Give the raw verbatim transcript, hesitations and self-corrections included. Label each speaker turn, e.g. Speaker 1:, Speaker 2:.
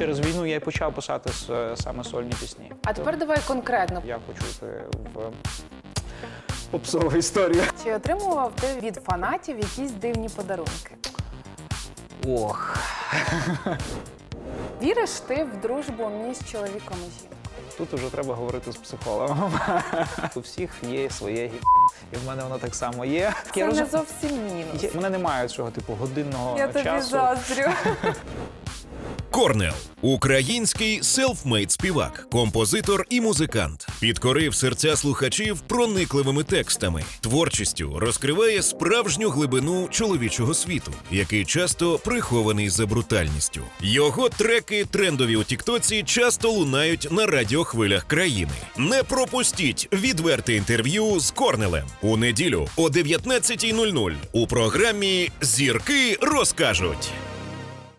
Speaker 1: через війну я й почав писати с- саме сольні пісні.
Speaker 2: А тепер давай конкретно.
Speaker 1: Я хочу йти в попсову історію.
Speaker 2: Чи отримував ти від фанатів якісь дивні подарунки?
Speaker 1: Ох.
Speaker 2: Віриш ти в дружбу між чоловіком і жінкою?
Speaker 1: Тут вже треба говорити з психологом. У всіх є своє гі... І в мене воно так само є.
Speaker 2: Це
Speaker 1: Я
Speaker 2: не
Speaker 1: розум-
Speaker 2: зовсім мінус.
Speaker 1: Є- У мене немає цього типу годинного
Speaker 2: Я тобі
Speaker 1: часу.
Speaker 2: заздрю.
Speaker 3: Корнел – український селфмейд співак, композитор і музикант. Підкорив серця слухачів проникливими текстами. Творчістю розкриває справжню глибину чоловічого світу, який часто прихований за брутальністю. Його треки, трендові у тіктоці, часто лунають на радіохвилях країни. Не пропустіть відверте інтерв'ю з Корнелем у неділю о дев'ятнадцятій нуль нуль у програмі «Зірки розкажуть».